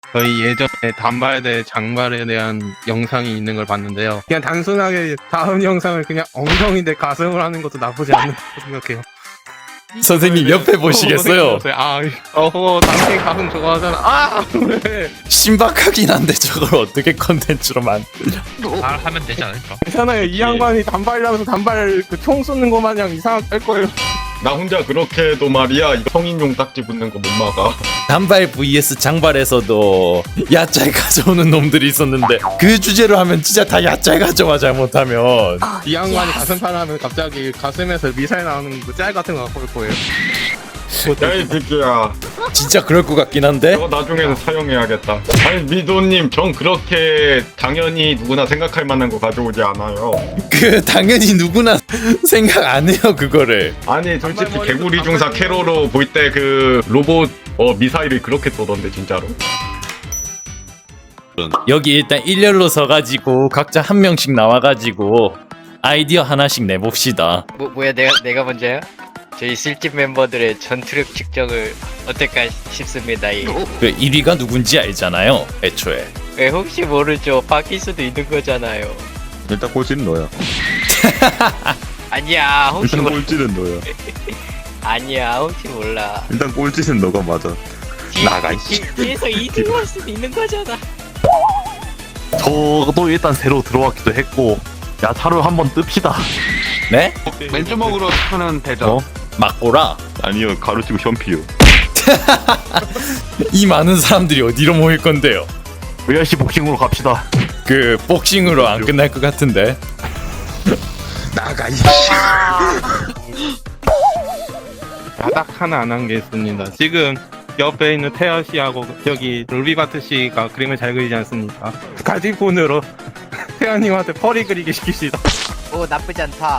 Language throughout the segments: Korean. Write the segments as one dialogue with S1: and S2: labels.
S1: 저희 예전에 단발 대 장발에 대한 영상이 있는 걸 봤는데요. 그냥 단순하게 다음 영상을 그냥 엉덩이 대 가슴을 하는 것도 나쁘지 않다고 생각해요.
S2: 선생님 옆에 보시겠어요?
S1: 당신 가슴 좋아하잖아. 아! 왜?
S2: 신박하긴 한데 저걸 어떻게 컨텐츠로 만들냐.
S3: 잘 하면 되지 않을까?
S1: 괜찮아요. 이 양반이 단발이라면서 단발 그 총 쏘는 거 마냥 이상할 거예요.
S4: 나 혼자 그렇게 해도 말이야 이거 성인용 딱지 붙는 거 못 막아.
S2: 단발 vs 장발에서도 야짤 가져오는 놈들이 있었는데 그 주제로 하면 진짜 다 야짤 가져와 잘못하면.
S1: 이 양반이 가슴팔 하면 갑자기 가슴에서 미사일 나오는 그 짤 같은 거 갖고 올 거예요.
S4: 야이 새끼야,
S2: 진짜 그럴 것 같긴 한데.
S4: 저거 나중에는 사용해야겠다. 아니 미도님, 전 그렇게 당연히 누구나 생각할 만한 거 가져오지 않아요.
S2: 그 당연히 누구나 생각 안 해요 그거를.
S4: 아니 솔직히 개구리 중사 캐로로 볼 때 그 로봇 미사일을 그렇게 쏘던데 진짜로.
S2: 여기 일단 일렬로 서가지고 각자 한 명씩 나와가지고 아이디어 하나씩 내봅시다.
S5: 뭐야 내가 먼저요? 저희 술집 멤버들의 전투력 측정을 어떨까 싶습니다.
S2: 그 1위가 누군지 알잖아요 애초에.
S5: 왜 혹시 모르죠. 바뀔 수도 있는 거잖아요.
S6: 일단 꼴찌는 너야.
S5: 아니야 혹시
S6: 일단
S5: 몰라.
S6: 꼴찌는 너야.
S5: 아니야 혹시 몰라.
S6: 일단 꼴찌는 너가 맞아. 나가, 이씨.
S5: 뒤에서 2등 할 수도 있는 거잖아.
S7: 저도 일단 새로 들어왔기도 했고 야차로 한번 뜹시다.
S2: 네?
S8: 맨주먹으로 쓰는 대전.
S7: 어?
S2: 막고라.
S6: 아니요, 가로치고 현피요.
S2: 이 많은 사람들이 어디로 모일 건데요?
S7: VRC 복싱으로 갑시다.
S2: 그 복싱으로 안 끝날 것 같은데.
S6: 나가, 이
S1: 딱 하나 안 한 게 있습니다. 지금 옆에 있는 태아 씨하고 저기 롤비바트 씨가 그림을 잘 그리지 않습니까? 가지폰으로 태아님한테 펄이 그리게 시킵시다.
S5: 오 나쁘지 않다.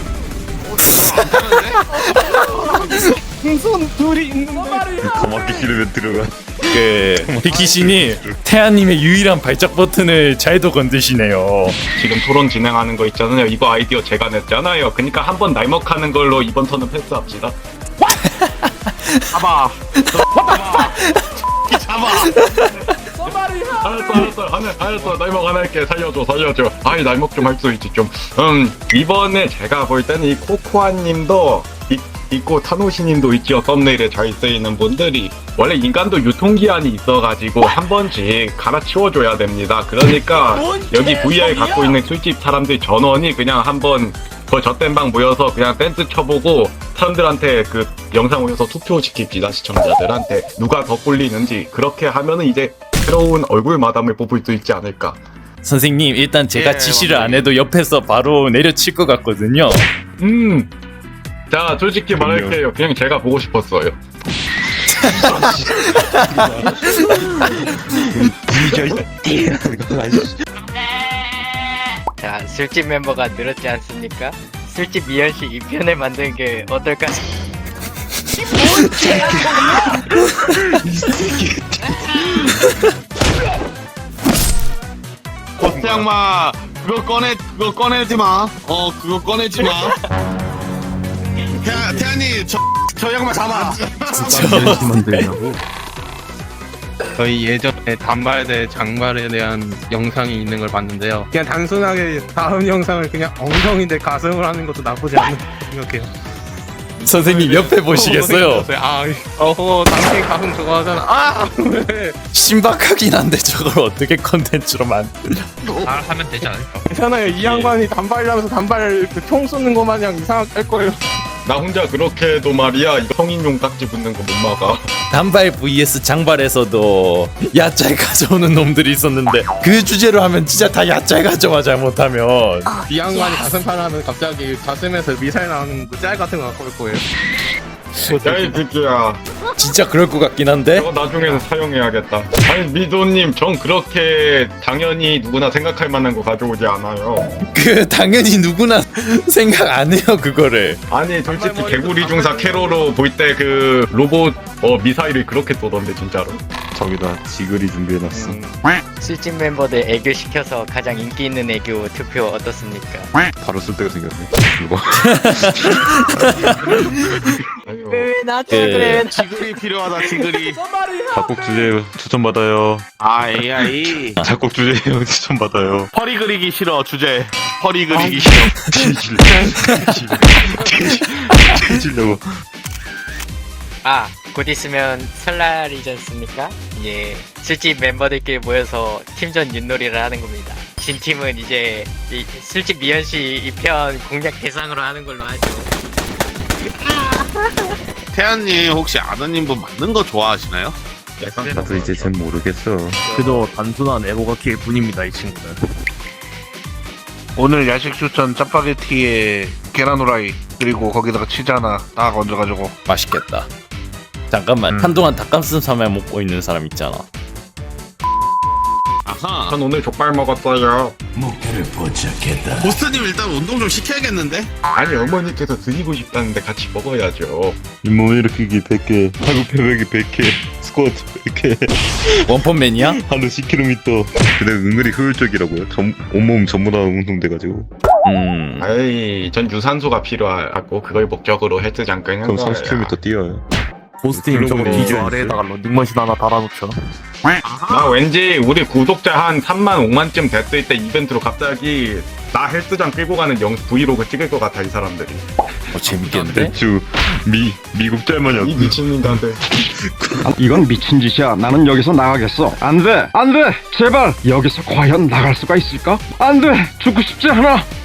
S1: 손 둘이 있는데
S6: 거맞기 싫으면 들어가.
S2: 그 비키신이 태아님의 유일한 발작 버튼을 잘도 건드시네요.
S4: 지금 토론 진행하는 거 있잖아요. 이거 아이디어 제가 냈잖아요. 그러니까 한번 날먹하는 걸로 이번 턴은 패스합시다.
S8: 잡아.
S4: 알았어. 날먹 하나 할게. 살려줘. 아이, 날먹 좀 할 수 있지, 좀. 이번에 제가 볼 때는 이 코코아님도 있고 타노시님도 있지요. 썸네일에 잘 쓰이는 분들이. 원래 인간도 유통기한이 있어가지고 한 번씩 갈아치워줘야 됩니다. 그러니까 여기 VR 갖고 있는 술집 사람들 전원이 그냥 한번 그 젖된 방 모여서 그냥 댄스 쳐보고 사람들한테 그 영상 올려서 투표시킵시다. 시청자들한테 누가 더 꼴리는지. 그렇게 하면은 이제 새로운 얼굴 마담을 뽑을 수 있지 않을까.
S2: 선생님 일단 제가
S8: 예,
S2: 지시를 안 해도 옆에서 바로 내려칠 것 같거든요.
S4: 자, 솔직히 말할게요. 그냥 제가 보고 싶었어요.
S5: 자 술집 멤버가 늘었지 않습니까? 술집 미연씨 2편을 만드는 게 어떨까?
S8: 고태양마 그거 꺼내지 마. 그거 꺼내지 마. 태양님 저 양마 잡아.
S1: 저희 예전에 단발 대 장발에 대한 영상이 있는 걸 봤는데요. 그냥 단순하게 다음 영상을 그냥 엉덩이 대 가슴을 하는 것도 나쁘지 않다고 생각해요.
S2: 선생님 옆에 보시겠어요?
S1: 당신 가슴 좋아하잖아. 아! 왜?
S2: 신박하긴 한데 저걸 어떻게 컨텐츠로 만들냐.
S3: 잘 하면 되지 않을까?
S1: 괜찮아요. 이 양반이 단발이라면서 단발 그 총 쏘는 거 마냥 이상할 거예요.
S4: 나 혼자 그렇게 해도 말이야 이거 성인용 딱지 붙는 거 못 막아.
S2: 단발 vs 장발에서도 야짤 가져오는 놈들이 있었는데 그 주제로 하면 진짜 다 야짤 가져와 잘못하면.
S1: 이 양반이 가슴팔 하면 갑자기 가슴에서 미사일 나오는 그 짤 같은 거 갖고 올 거예요.
S4: 야이 새끼야,
S2: 진짜 그럴 것 같긴 한데.
S4: 저거 나중에는 사용해야겠다. 아니 미도님, 전 그렇게 당연히 누구나 생각할 만한 거 가져오지 않아요.
S2: 그 당연히 누구나 생각 안 해요 그거를.
S4: 아니 솔직히 개구리 중사 캐로로 볼 때 그 로봇 미사일을 그렇게 쏘던데 진짜로.
S6: 저기다 지글이 준비해놨어.
S5: 술집 멤버들 애교 시켜서 가장 인기 있는 애교 투표 어떻습니까?
S6: 바로 쓸 데가 생겼네. 이거.
S4: 아니
S5: 왜 나한테
S2: 그-
S5: 그래?
S8: 지글이 필요하다 지글이.
S6: 작곡 주제 추천받아요.
S8: 아 AI.
S6: 작곡 주제 형 추천받아요.
S8: 허리 그리기 싫어 주제. 허리 그리기 싫어.
S6: 뒤지려고.
S5: 아, 곧 있으면 설날이지 않습니까? 이제 술집 멤버들끼리 모여서 팀전 윷놀이를 하는 겁니다. 진 팀은 이제 이 술집 미연씨 2편 공략 대상으로 하는 걸로 하죠.
S8: 태연님 혹시 아드님 분 맞는 거 좋아하시나요?
S6: 나도 이제 잘 모르겠어.
S7: 그저 단순한 에고가키의 뿐입니다 이 친구는.
S9: 오늘 야식 추천 짜파게티에 계란 후라이 그리고 거기다가 치즈 하나 딱 얹어가지고
S2: 맛있겠다. 잠깐만 한동안 닭가슴살만 먹고 있는 사람 있잖아.
S8: 아하.
S4: 전 오늘 족발 먹었어요.
S8: 보스님 일단 운동 좀 시켜야겠는데?
S4: 아니 어머니께서 드시고 싶다는데 같이 먹어야죠.
S6: 잇몸 일으키기 100개, 하구 패배기 100개, 스쿼트 100개,
S2: 원펀맨이야?
S6: 하루 10km. 근데 은근히 효율적이라고요. 온몸 전부 다 운동돼가지고.
S4: 아이 전 유산소가 필요하고 그걸 목적으로 헬스장 끄는
S6: 그럼
S4: 거예요.
S6: 30km 뛰어요.
S7: 보스팀 저거
S6: 글로벌
S7: 비주
S6: 인증
S7: 아래에다가 런닝머신 하나 달아놓죠.
S4: 나 왠지 우리 구독자 한 3만 5만쯤 됐을 때 이벤트로 갑자기 나 헬스장 끌고 가는 브이로그 찍을 것 같아 이 사람들이.
S2: 재밌겠는데?
S6: 대추 미국 짤마냥
S4: 이 미친놈들한테.
S10: 이건 미친 짓이야. 나는 여기서 나가겠어. 안 돼! 안 돼! 제발! 여기서 과연 나갈 수가 있을까? 안 돼! 죽고 싶지 않아!